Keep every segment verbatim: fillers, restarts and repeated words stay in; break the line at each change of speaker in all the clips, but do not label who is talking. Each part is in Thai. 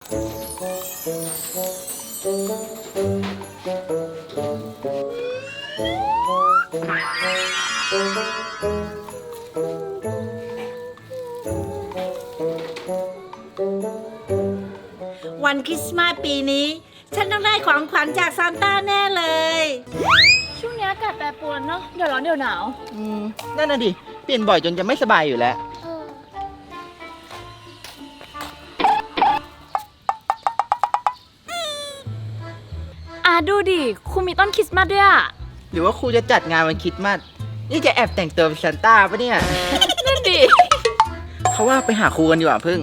วันคริสต์มาสปีนี้ฉันต้องได้ของขวัญจากซานต้าแน่เลย
ช่วงนี้อากาศแปรปรวนเนาะเดี๋ยวร้อนเดี๋ยวหนาว
อืมนั่นน่ะดิเปลี่ยนบ่อยจนจะไม่สบายอยู่แล้ว
อ่ะดูดิครูมีต้นคริสต์มาสด้วยอ่ะ
หรือว่าครูจะจัดงานวันคริสต์มาสนี่จะแอบแต่งตัวเป็นซานต้าปะเนี่ย
นั่นดิ
เขาว่าไปหาครูกันดีกว่าพึ่ง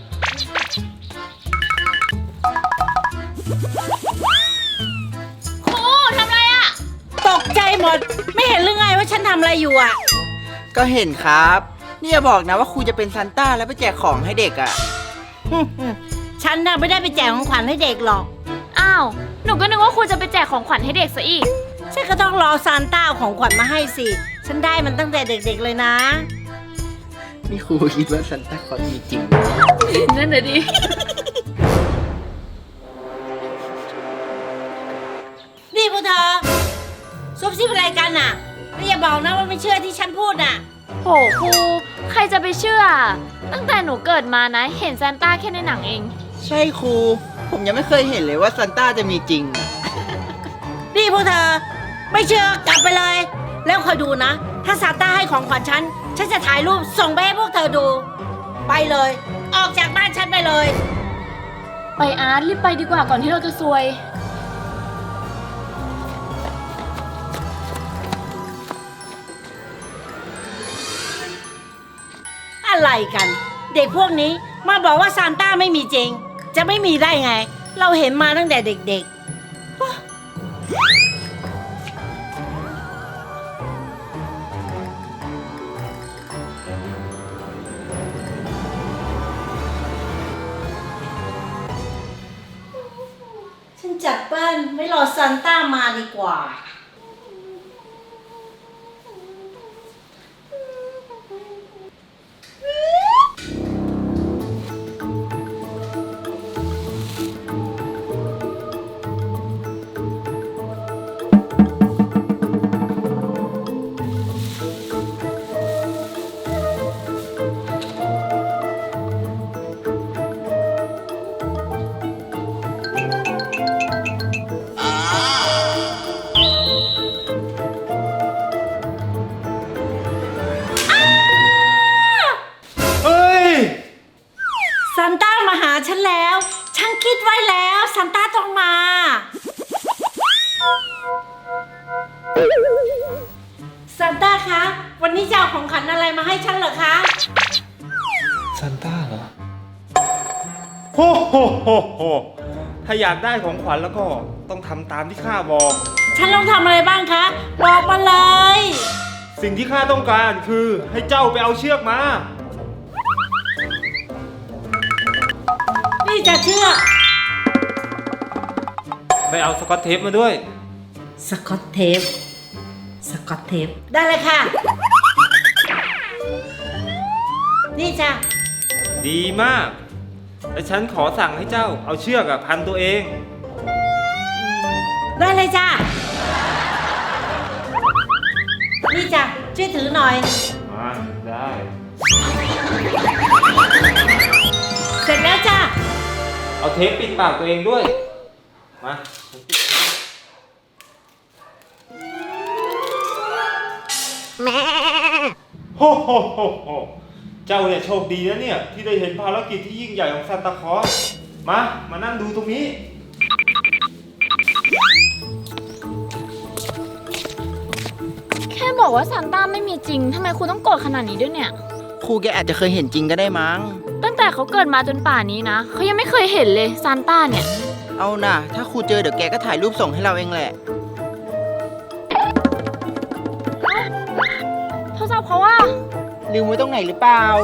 ครูทำอะไรอ่ะ
ตกใจหมดไม่เห็นหรือไงว่าฉันทำอะไรอยู่อ่ะ
ก็เห็นครับนี่อย่าบอกนะว่าครูจะเป็นซานต้าแล้วไปแจกของให้เด็กอ่ะ
ฉันน่ะไม่ได้ไปแจกของขวัญให้เด็กหรอก
อ้าวหนูก็นึกว่าครูจะไปแจกของขวัญให้เด็กซะอีก
ฉันก็ต้องรอซานต้าเอาของขวัญมาให้สิฉันได้มันตั้งแต่เด็กๆเลยนะ
นี่ครูคิดว่าซานต้าคลอสมีจริง
นั่นน่ะดิ
นี่พวกเธอซุบซิบอะไรกันน่ะไม่อย่าบอกนะว่าไม่เชื่อที่ฉันพูดน่ะ
โหครูใครจะไปเชื่อตั้งแต่หนูเกิดมานะเห็นซานต้าแค่ในหนังเอง
ใช่ครูผมยังไม่เคยเห็นเลยว่าซานต้าจะมีจริง
นี่พวกเธอไม่เชื่อกลับไปเลยแล้วคอยดูนะถ้าซานต้าให้ของขวัญฉันฉันจะถ่ายรูปส่งไปให้พวกเธอดูไปเลยออกจากบ้านฉันไปเลย
ไปอาร์ตรีบไปดีกว่าก่อนที่เราจะซวย
อะไรกันเด็กพวกนี้มาบอกว่าซานต้าไม่มีจริงจะไม่มีได้ไงเราเห็นมาตั้งแต่เด็กๆฉันจัดบ้านไม่รอซานต้ามาดีกว่าซานต้ามาหาฉันแล้วฉันคิดไว้แล้วซานต้าต้องมาซานต้าคะวันนี้จะเอาของขวัญอะไรมาให้ฉันเหรอคะ
ซานต้าเหรอโฮโฮโฮโฮถ้าอยากได้ของขวัญแล้วก็ต้องทำตามที่ข้าบอก
ฉันต้องทำอะไรบ้างคะบอกมาเลย
สิ่งที่ข้าต้องการคือให้เจ้าไปเอาเชือกมา
นี่จะเชื่อ
ไปเอาสกอตเทปมาด้วย
สกอตเทปสกอตเทปได้เลยค่ะนี่จ้ะ
ดีมากและฉันขอสั่งให้เจ้าเอาเชือกพันตัวเอง
ได้เลยจ้ะนี่จ้ะช่วยถือหน่อย
อ่าได้
เสร็จแล้วจ้ะ
เอาเทปปิดปากตัวเองด้วยมาแม่โฮโฮโฮโฮเจ้าเนี่ยโชคดีนะเนี่ยที่ได้เห็นภารกิจที่ยิ่งใหญ่ของซานตาคลอสมามานั่งดูตรงนี้
แค่บอกว่าซานต้าไม่มีจริงทำไมครูต้องโกรธขนาดนี้ด้วยเนี่ย
ครูแกอาจจะเคยเห็นจริงก็ได้มั้ง
ตั้งแต่เขาเกิดมาจนป่านนี้นะเขายังไม่เคยเห็นเลยซานต้าเนี่ย
เอาน่ะถ้าครูเจอเดี๋ยวแกก็ถ่ายรูปส่งให้เราเองแหละ
โทรศัพท์เขาว่า
ลืมไว้ตรงไหนหรือเปล่า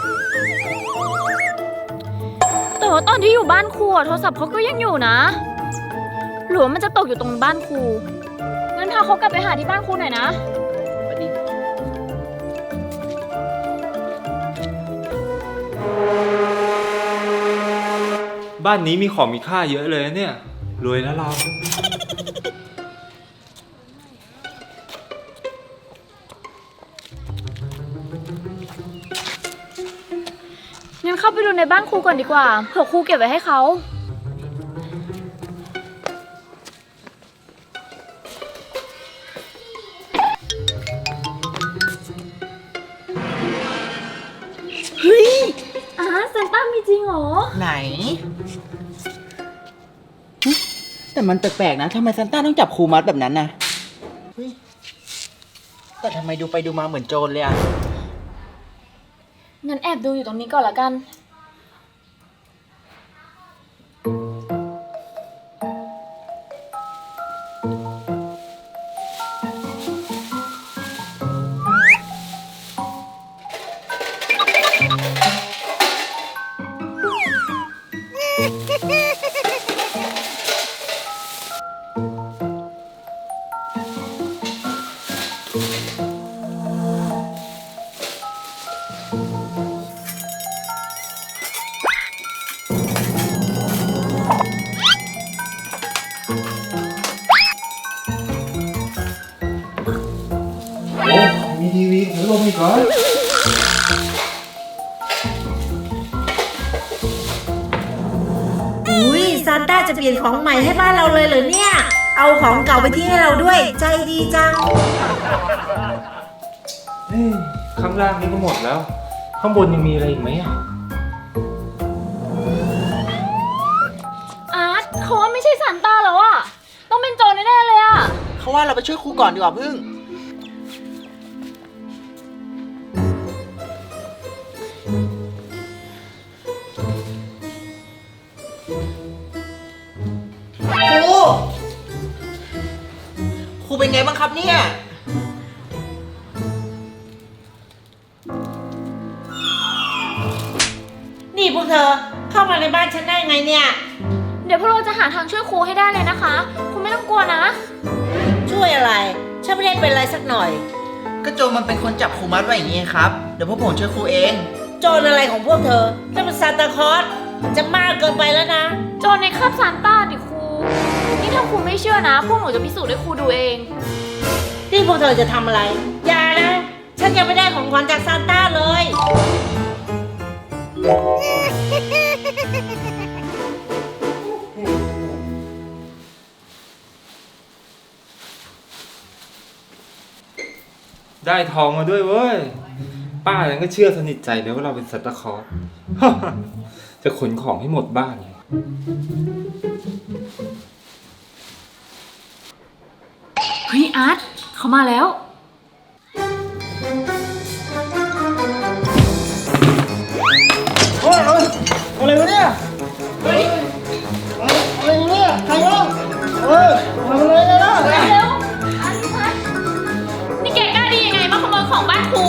แต่ว่าตอนที่อยู่บ้านครูโทรศัพท์เขาก็ยังอยู่นะหรือว่ามันจะตกอยู่ตรงบ้านครูงั้นพาเขากลับไปหาที่บ้านครูหน่อยนะ
บ้านนี้มีของมีค่าเยอะเลยนะเนี่ย รวยแล้วเรา
งั้นเข้าไปดูในบ้านครูก่อนดีกว่า เผื่อครูเก็บไว้ให้เขา
เฮ้ย
อ่าซานต้ามีจริงเหรอ
ไหนหึแต่มันแปลกๆนะทำไมซันต้าต้องจับครูมัดแบบนั้นนะเฮ้ยแต่ทำไมดูไปดูมาเหมือนโจรเลยอะ
งั้นแอบดูอยู่ตรงนี้ก่อนละกัน
โอ้มีทีวีถือลมอีกเหรอ
อุ้ยซานต้าจะเปลี่ยนของใหม่ให้บ้านเราเลยเหรอเนี่ย เอาของเก่าไปทิ้งให้เราด้วย ใจดีจัง
เฮ้ยข้างล่างนี้ก็หมดแล้ว ข้างบนยังมีอะไรอีกไหมอ่ะ
อาร์ตเขาว่าไม่ใช่ซานต้าแล้วอะต้องเป็นโจรแน่ๆเลยอะ
เขาว่าเราไปช่วยครูก่อนดีกว่าพึ่งครูครูเป็นไงบ้างครับเนี่ย
นี่พวกเธอเข้ามาในบ้านฉันได้ไงเนี่ย
เดี๋ยวพวกเราจะหาทางช่วยครูให้ได้เลยนะคะ คุณไม่ต้องกลัวนะ
ช่วยอะไร ฉันไม่ได้เป็นอะไรสักหน่อย
ก็โจรมันเป็นคนจับครูมัดไว้อย่างนี้ครับ เดี๋ยวพวกผมช่วยครูเอง
โจรอะไรของพวกเธอนั่นเป็นซานตาคลอสมันจะมากเกินไปแล้วนะ
โจรในคราบซานต้าดิครู นี่ถ้าครูไม่เชื่อนะ พวกหนูจะพิสูจน์ให้ครูดูเอง
ที่พวกเธอจะทำอะไร อย่านะ ฉันยังไม่ได้ของขวัญจากซานต้าเลย
ได้ทองมาด้วยเว้ย ป้ายังก็เชื่อสนิทใจเลยว่าเราเป็นซันตาคลอส จะขนของให้หมดบ้านเลย
เฮ้ยอาร์ตเขามาแล้ว
โอ้ยเอ้ยอะไรวะเนี่ย เฮ้ย อะไรเนี่ยใครวะเออทำอะไรกันนะ
เร็วอาร์ตอาร์ตนี่แกกล้าดียังไงมาขโมยของบ้านครู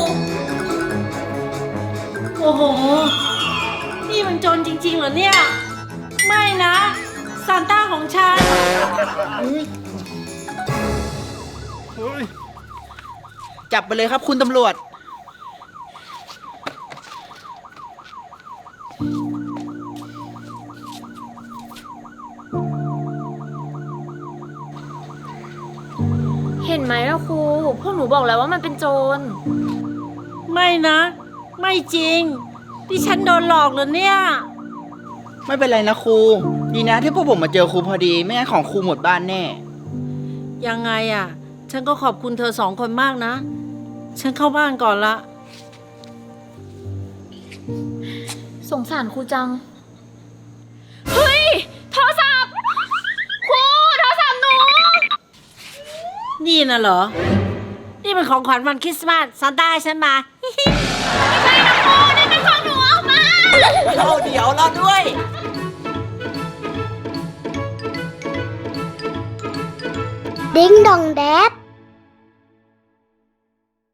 โอ้โห นี่มันโจรจริงๆเหรอเนี่ย ไม่นะซานต้าของฉัน
จับไปเลยครับคุณตำรวจ
เห็นไหมล่ะครู พวกหนูบอกแล้วว่ามันเป็นโจร
ไม่นะ ไม่จริงดิฉันโดนหลอกเหรอเนี่ย
ไม่เป็นไรนะครู ดีนะที่พวกผมมาเจอครูพอดี ไม่งั้นของครูหมดบ้านแน่
ยังไงอ่ะ ฉันก็ขอบคุณเธอสองคนมากนะ ฉันเข้าบ้านก่อนละ
สงสารครูจัง เฮ้ย โทรศัพท์ ครู โทรศัพท์หนู
นี่นะเหรอ นี่เป็นของขวัญวันคริสต์มาสซานต้าให้ฉันมา
ไม่ใช่นะครูนี่เป็นของหนูออกมา
เราเดี๋ยวรอด้วย
Ding dong dad.